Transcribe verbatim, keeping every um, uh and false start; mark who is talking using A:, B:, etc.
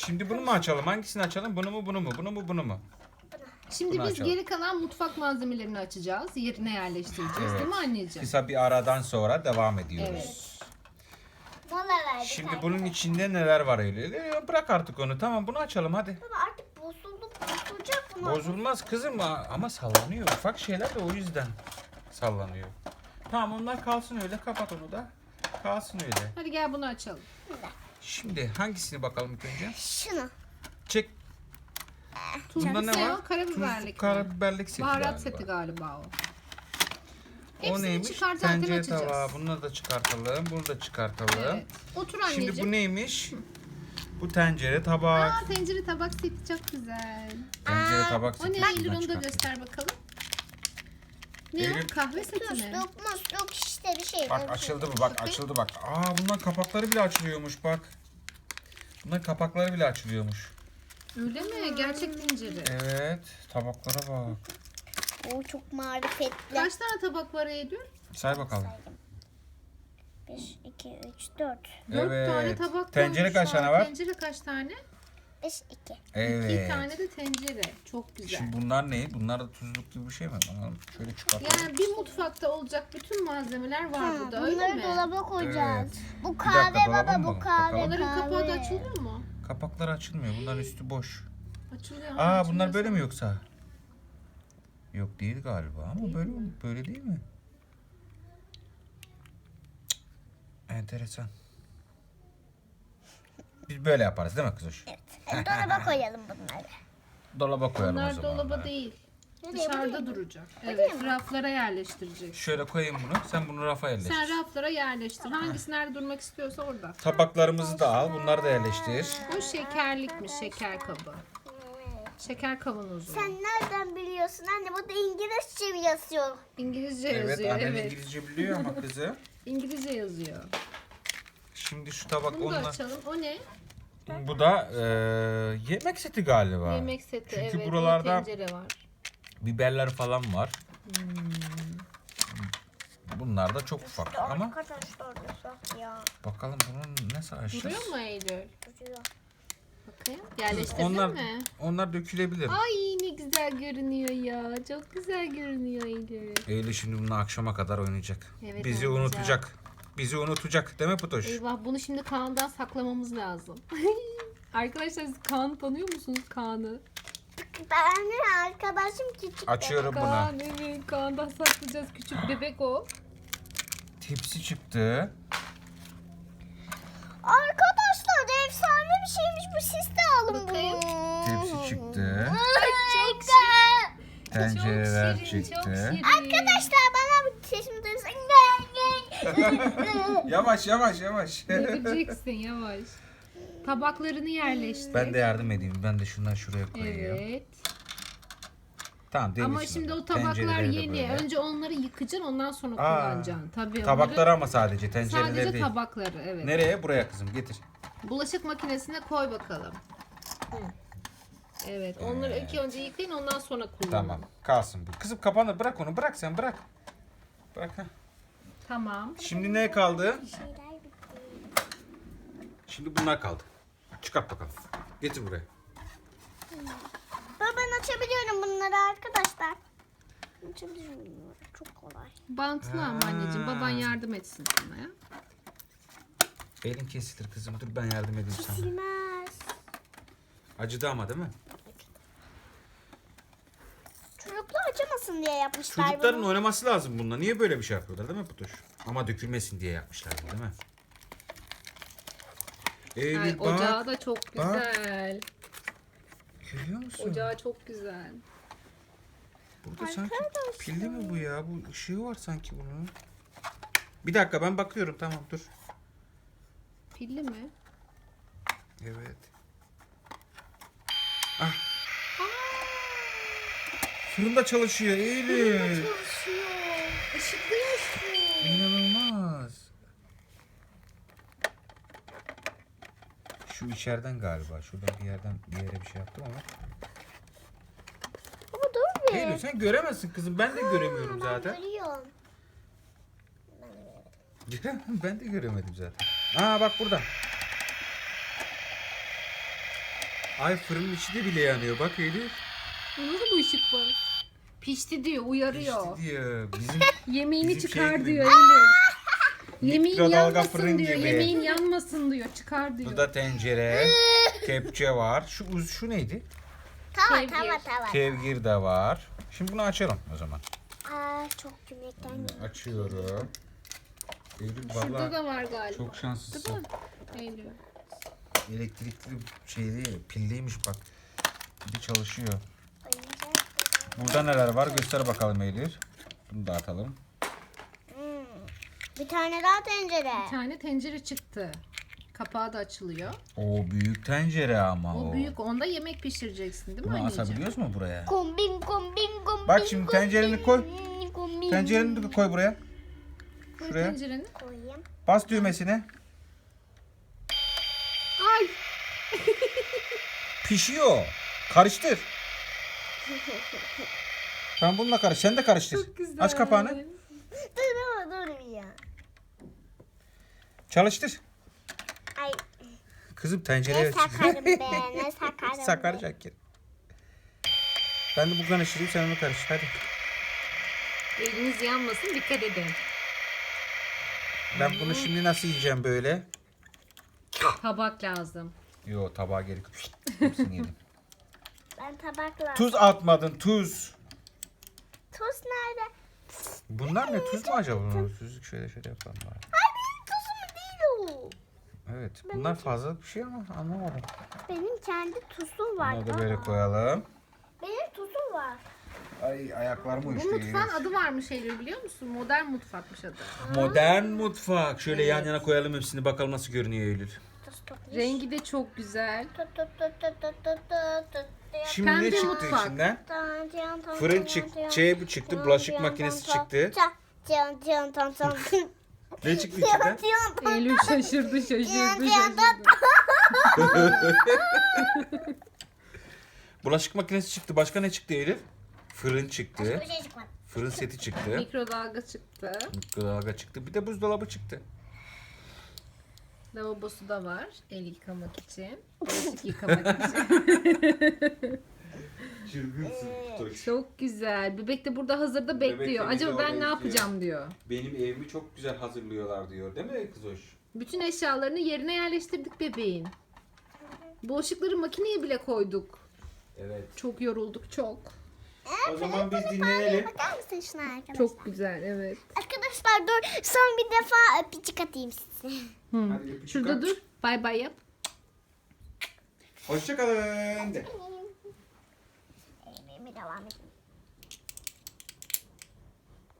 A: Şimdi bunu mu açalım? Hangisini açalım? Bunu mu, bunu mu? Bunu mu, bunu mu?
B: Şimdi
A: Bunu
B: biz
A: açalım.
B: geri kalan mutfak malzemelerini açacağız. Yerine yerleştireceğiz
A: Evet.
B: değil mi anneciğim?
A: Kısa bir aradan sonra devam ediyoruz.
B: Evet.
C: Mola verdik.
A: Şimdi
C: arkadaşlar.
A: bunun içinde neler var öyle? Bırak artık onu. Tamam, bunu açalım hadi.
C: Baba artık bozuldu. Bozulacak bunu.
A: Bozulmaz kızım ama sallanıyor. Ufak şeyler de o yüzden sallanıyor. Tamam, onlar kalsın öyle. Kapat onu da. Kalsın öyle.
B: Hadi gel bunu açalım.
A: Şimdi hangisini bakalım ilk önce?
C: Şunu.
A: Çek. Bunda
B: Tuzlu
A: ne
B: ne
A: var?
B: o? Karabiberlik mi?
A: Karabiberlik seti
B: Baharat
A: galiba.
B: seti galiba o.
A: O
B: Hepsini
A: neymiş?
B: çıkartarken
A: Tencere
B: açacağız.
A: tava. Bunları da çıkartalım. Bunu da çıkartalım.
B: Evet. Otur anneciğim.
A: Şimdi bu neymiş? Bu tencere, tabak.
B: Aa, tencere tabak seti çok güzel.
A: Tencere,
C: Aa,
A: tabak
B: O
A: seti.
B: ne
A: Şuradan
B: Eylül, onu da
A: çıkartalım.
B: göster bakalım. Ne
A: Eylül-
B: o? Kahve seti mi?
C: Musluk musluk işte bir şey.
A: Bak açıldı mı? Bak açıldı bak. Aa, bunlar kapakları bile açılıyormuş bak. Bunlar kapakları bile açılıyormuş.
B: Öyle mi? Gerçek tencere.
A: Evet. Tabaklara bak.
C: O çok marifetli.
B: Kaç tane tabak var Eylül?
A: Say bakalım.
C: bir, iki, üç, dört.
B: Dört
A: Evet.
B: tane tabak
A: Tencere kaç
B: koymuşlar.
A: tane var?
B: Tencere kaç tane?
C: beş, iki.
A: Evet.
B: İki tane de tencere. Çok güzel.
A: Şimdi bunlar ne? Bunlar da tuzluk gibi bir şey mi? Bakalım. Şöyle çıkartalım.
B: Yani bir mutfakta olacak bütün malzemeler var burada, öyle
C: Bunları
B: mi?
C: dolaba koyacağız.
A: Evet.
C: Bu
A: Bir
C: kahve
A: dakika, dolaba
C: baba
A: mı
C: bu
A: bakalım?
C: kahve.
A: Bakalım.
B: Onların kapağı da
C: kahve.
B: açılıyor mu?
A: Kapaklar açılmıyor. Bunların üstü boş.
B: Açılıyor. ha,
A: Aa,
B: açılıyor
A: bunlar böyle mi
B: sanki.
A: yoksa? Yok değil galiba ama böyle böyle değil mi? Cık, enteresan. Biz böyle yaparız değil mi kızış?
C: Evet, dolaba koyalım bunları.
A: Dolaba koyalım o
B: Bunlar
A: zaman.
B: dolaba
A: bunları.
B: değil.
C: Nereye,
B: Dışarıda duracak. Evet, raflara yerleştirecek.
A: Şöyle koyayım bunu. Sen bunu rafa yerleştir.
B: Sen raflara yerleştir. Hangisi nerede durmak istiyorsa orada.
A: Tabaklarımızı da al. Bunları da yerleştir.
B: Bu şekerlikmiş, şeker kabı. Şeker kavanozu.
C: Sen nereden biliyorsun anne? Bu da İngilizce yazıyor.
B: İngilizce
A: Evet,
B: yazıyor.
A: annen
B: Evet.
A: İngilizce biliyor ama kızı.
B: İngilizce yazıyor.
A: Şimdi şu tabak
B: Bunu da
A: onunla.
B: açalım. O ne?
A: Bu da eee, yemek seti galiba.
B: Yemek seti.
A: Çünkü
B: evet. bir
A: buralarda
B: tencere var.
A: biberler falan var.
B: Hmm.
A: Bunlar da çok ufak ama
C: Arkadaşlar yasak ya.
A: bakalım bunun nasıl açacağız?
B: Duruyor mu Eylül?
C: Duruyor.
B: Bakayım. Yerleştirdin
A: Onlar
B: mi?
A: onlar dökülebilir.
B: Ay ne güzel görünüyor ya. Çok güzel görünüyor Eylül.
A: Eylül şimdi bununla akşama kadar oynayacak.
B: Evet,
A: Bizi
B: oynayacak.
A: unutacak. Bizi unutacak değil mi Putoş?
B: Eyvah, bunu şimdi Kaan'dan saklamamız lazım. Arkadaşlar siz Kaan'ı tanıyor musunuz, Kaan'ı?
C: Ben arkadaşım küçük.
A: Açıyorum bunu.
B: Kaan, evet, Kaan'dan saklayacağız. Küçük bebek o.
A: Tepsi çıktı.
C: Arkadaşlar efsane bir şeymiş bu, siz de alın
B: Bakayım.
C: bunu.
A: Tepsi çıktı.
B: Çok
C: güzel.
A: Tencereler
B: çok şirin,
A: çıktı.
B: çok şirin.
C: Arkadaşlar bana bir sesimi duysun.
A: Yavaş yavaş yavaş.
B: Göreceksin yavaş. Tabaklarını yerleştir.
A: Ben de yardım edeyim. Ben de şunları şuraya koyayım.
B: Evet.
A: Tamam,
B: Ama
A: devirsin
B: şimdi
A: onu.
B: o tabaklar
A: Tencereleri de
B: yeni.
A: böyle.
B: Önce onları yıkacaksın, ondan sonra
A: Aa,
B: kullanacaksın. Tabii
A: Tabakları
B: onları,
A: ama sadece tencereleri
B: sadece
A: değil.
B: tabakları, evet.
A: Nereye? Buraya kızım getir.
B: Bulaşık makinesine koy bakalım. Evet, onları ilk önce yıkayın, ondan sonra kullanın.
A: Tamam. Kalsın bu. Kızım kapanır. Bırak onu. Bırak sen bırak. Bırak ha.
B: Tamam.
A: Şimdi ne kaldı?
C: Şeyler bitti.
A: Şimdi bunlar kaldı. Çıkart bakalım. Getir buraya.
C: Baba ben açabiliyorum bunları arkadaşlar. Açabiliyorum. Çok kolay.
B: Bantlı ama anneciğim, baban yardım etsin sana ya.
A: Elin kesilir kızım. Dur ben yardım edeyim sana.
C: Bilmez.
A: Acıdı ama değil mi?
C: Çocuklar acımasın diye yapmışlar
A: Çocukların
C: bunu.
A: oynaması lazım bununla. Niye böyle bir şey yapıyorlar değil mi Putuş? Ama dökülmesin diye yapmışlar bunu, değil mi? Eylül
B: Ay,
A: bak.
B: ocağı da çok
A: bak.
B: güzel.
A: Görüyor musun?
B: Ocağı çok güzel.
A: Burada sanki
C: Arkadaşlar.
A: pilli mi bu ya? Bu ışığı var sanki bunun. Bir dakika ben bakıyorum, tamam dur.
B: Pilli mi?
A: Evet. Ah. Fırında çalışıyor Eylül.
B: Çalışıyor. Işıklı yaşıyor.
A: İnanılmaz. Şu içeriden galiba. Şuradan bir yerden bir yere bir şey yaptım ama.
C: Baba dur bir.
A: Eylül sen göremezsin kızım. Ben de göremiyorum
C: Ben
A: zaten.
C: görüyorum.
A: Ben de göremedim zaten. Aa bak burada. Ay fırının içi de bile yanıyor. Bak Elif.
B: Onda da bu ışık var. Pişti diyor, uyarıyor.
A: İşte diyor. Bizim
B: Yemeğini
A: Bizim şey
B: çıkar
A: gibi.
B: diyor Eylül. Yemeğin
A: Mikrodalga fırın
B: yanmasın diyor.
A: gibi.
B: Yemeğin yanmasın diyor. Çıkar diyor.
A: bu da tencere. Kepçe var. Şu uz şu neydi?
C: Tava
B: Kevgir.
C: tava tava.
A: Kevgir de var. Şimdi bunu açalım o zaman.
C: Aa çok cümlekten.
A: Açıyorum. Eylül
B: Şurada
A: valla
B: da var galiba.
A: çok şanslısın.
B: Değil mi? Eylül.
A: Elektrikli şey değil, pilliymiş bak. Bir de çalışıyor.
C: Oyuncak.
A: Burada neler var göster bakalım Eylül. Bunu da atalım.
C: Hmm. Bir tane daha tencere.
B: Bir tane tencere çıktı. Kapağı da açılıyor.
A: O büyük tencere ama o.
B: O büyük. Onda yemek pişireceksin değil mi
A: Bunu
B: anneciğim?
A: asabiliyoruz mu buraya?
C: Kombin kombin kombin.
A: Bak şimdi tencereni koy.
C: kombin, kombin.
A: Tencereni de koy buraya.
B: Koy
A: Şuraya.
B: tencereni.
C: Koyayım.
A: Bas düğmesine.
B: Ay!
A: Pişiyor. Karıştır. Ben bununla karış. Sen de karıştır.
B: Çok güzel.
A: Aç kapağını.
C: Dur dur dur ya.
A: Çalıştır.
C: Ay
A: Kızım tencereye
C: ne sakarım be ne sakarım. be.
A: sakaracak ki. Ben de bu karıştırayım sen onu karıştır hadi.
B: Eliniz yanmasın, dikkat edin.
A: Ben bunu şimdi nasıl yiyeceğim böyle?
B: Tabak lazım.
A: Yo tabağa gerek yok. Hepsini yedim.
C: Ben tabakla.
A: Tuz atmadın tuz.
C: Tuz nerede?
A: Bunlar ne tuz mu acaba? Tuzluk şöyle şöyle yapalım bari.
C: Ay benim tuzum değil o.
A: Evet bunlar fazla bir şey ama anlamadım.
C: Benim kendi tuzum var.
A: Bunları da böyle
C: Aa,
A: koyalım.
C: Benim tuzum var.
A: Ay ayaklarım
B: Bu
A: uyuştu.
B: mutfağın adı varmış Eylül biliyor musun? Modern mutfakmış adı.
A: Modern mutfak. Şöyle yan
B: Evet.
A: yana koyalım hepsini bakalım nasıl görünüyor Eylül.
C: Tuz tut.
B: Rengi de çok güzel.
C: Tut tut tut tut tut tut tut tut.
A: Şimdi ne
B: Pembe
A: çıktı
B: mutfak.
A: içinden?
C: Tan, tan, tan,
A: Fırın
C: tan,
A: çıktı,
C: tan,
A: şey bu çıktı,
C: tan,
A: bulaşık
C: tan,
A: makinesi
C: tan,
A: çıktı.
C: tan, tan, tan, tan, tan.
A: Ne çıktı
C: Tan,
A: içinden?
C: tan, tan,
B: Eylül şaşırdı şaşırdı
C: tan, tan,
B: şaşırdı.
A: Bulaşık makinesi çıktı. Başka ne çıktı Elif? Fırın çıktı.
C: Bir şey çıkmadı.
A: Fırın seti çıktı.
B: Mikrodalga çıktı.
A: Mikrodalga çıktı. Bir de buzdolabı çıktı.
B: Lavabosu da var. El yıkamak için. Bulaşık yıkamak için.
A: Çılgınsın.
B: Çok güzel. Bebek de burada hazırda
A: Bebek de
B: bekliyor.
A: bizi
B: Acaba
A: orada
B: ben ne
A: bekliyor.
B: yapacağım diyor.
A: Benim evimi çok güzel hazırlıyorlar diyor. Değil mi kız hoş?
B: Bütün eşyalarını yerine yerleştirdik bebeğin. Bulaşıkları makineye bile koyduk.
A: Evet.
B: Çok yorulduk çok.
A: O zaman biz dinlenelim.
C: Bakar mısın şuna arkadaşlar?
B: Çok güzel evet.
C: Arkadaşlar dur son bir defa öpücük atayım size.
B: Hı.
A: Hadi öpücük
B: Şurada
A: at.
B: dur. Bay bay yap.
A: Hoşçakalın de.
C: Eğilmeye devam edeyim.